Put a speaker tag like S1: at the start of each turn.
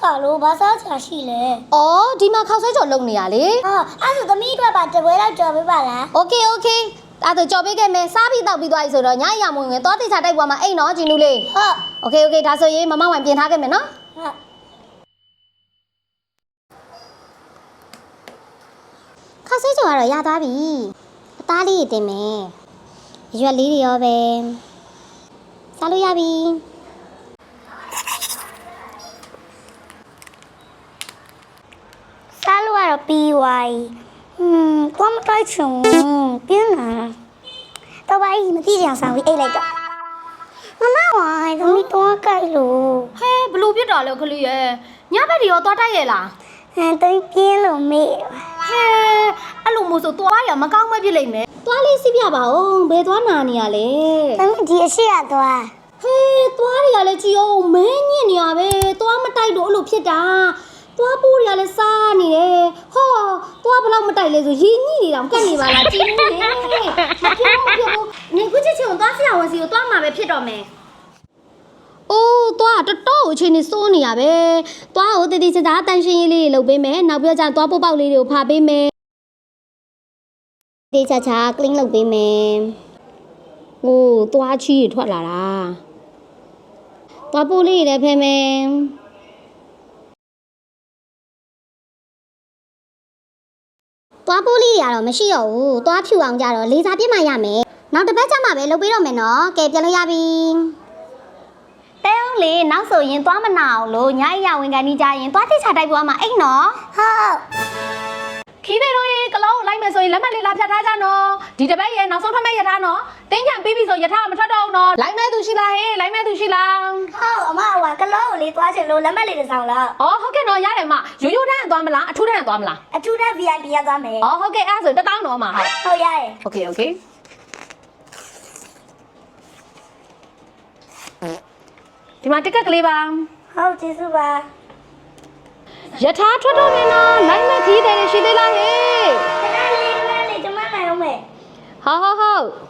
S1: ပါလို့ဘာစားချာရှိလဲ
S2: ။အော်ဒီမှာခောက်ဆွဲကြော်လုံနေရလေ
S1: ။အဲ့ဆိုသမီးအတွက်ပါတပွဲလောက်ကြော်ပေးပါလား
S2: ။ Okay okay အဲ့ဒါကြော်ပေးခဲ့မယ်စားပြီးတောက်ပြီးသွားပြီဆိုတော့ညရမဝင်ဝင်သွားတိချာတိုက်ပွားမှာအိမ်နော်ဂျီနူးလေး
S1: ဟုတ်
S2: Okay okay ဒါဆိုရင်မမဝိုင်ပြင်ထားခဲ့မယ်နော်
S1: ဟုတ်
S2: ခောက်ဆွဲကြော်ကတော့ရသွားပြီအသားလေးတင်မယ်ရွက်လေးတွေရောပဲစားလို့ရပြီ
S1: စားလို့ကတော့ပြီးသွားသွားမတိုက်ချင်ပြင်းလာတော့ဘာကြီးမသိကြဆောင်ပြီးအိတ်လိုက်တော့မမဝိုင်းသမီးတော့ကြိုက်လို့
S2: ဟဲဘလို့ပြစ်တာလဲခလေးရဲ့ညဘက်တွေရောသွားတိုက်ရဲ့လား
S1: တိတ်ပြင်းလို့မေ့
S2: ဟဲအဲ့လိုမျိုးဆိုသွားရမကောင်းမဖြစ်လိမ့်မယ်သွားလေးစီးပြပါဦးဘယ်သွားနာနေရလဲ
S1: သမီးဒီအရှိရသွား
S2: ဟဲသွားတွေကလည်းကြည်အောင်မင်းညစ်နေရပဲသွားမတိုက်တော့အဲ့လိုဖြစ်တာသွားပိုးတွေကလည်းစားနေတယ်ဟောသွားဘလောက်မတိုက်လဲဆိုရင်ညိနေတော့ကတ်နေပါလားကြည်နေမဖြစ်ဘူးနေခုချစ်ချင်သွားဆရာဝန်စီကိုသွားမှာပဲဖြစ်တော့မယ်အိုးသွားတော်တော်အချိန်နေစိုးနေရပဲသွားကိုတတိချာတန်ရှင်းရေးလေးလုပ်ပေးမယ်နောက်ပြီးတော့သွားပို့ပေါက်လေးတွေကိုဖာပေးမယ်တေချာချာ clean လုပ်ပေးမယ်ဟိုသွားချီးထွက်လာတာသွားပို့လေးတွေလည်းဖယ်မယ်သွားပိုးလေးတွေကတော့မရှိတော့ဘူးသွားဖြူအောင်ကြတော့လေစာပြစ်မှရမယ်နောက်တစ်ပတ်ကျမှပဲလုပ်ပေးတော့မယ်နော်ကဲပြန်လို့ရပြီတဲအောင်လေနောက်ဆိုရင်သွားမနာအောင်လို့ညအရာဝင်ကန်ကြီးကြရင်သွားတိချတိုက်ပွားမှာအိတ်နော်
S1: ဟုတ်
S2: ခီးသေးတို့ရေကလုံးလိုက်မယ်ဆိုရင်လက်မှတ်လေးလာဖြတ်ထားကြနော်ဒီတစ်ပတ်ရေနောက်ဆုံးထွက်မဲ့ရထားနော်တင်းချံပြီးပြီဆိုရထားမထွက်တော့ဘူးနော်လိုက်မဲ့သူရှိလားဟေးလိုက်မဲ့သူရှိလား
S1: ဟုတ်အမကကလောကိုလေးသွားချင်လို့လက်မှတ်လေးတစ်စောင်လောက်
S2: အော်ဟုတ်ကဲ့နော်ရတယ်မရိုးရိုးတန်းသွားမလားအထူးတန်းသွားမလား
S1: အထူးတန်း VIP ရသွားမယ်
S2: အော်ဟုတ်ကဲ့အဲ့ဒါဆို1000တော့မှာ
S1: ဟုတ်ရတယ်
S2: Okay okay ဒီမှာတက်ကက်ကလေးပါ
S1: ဟုတ်ကျေးဇူးပါ
S2: ယထာထွက်တော့မယ်နော်လိုက်မဲ့ခီးတယ်ရှိသေးလားဟေး
S1: ခဏလေးကျမနိုင်အောင်မယ်
S2: ဟုတ်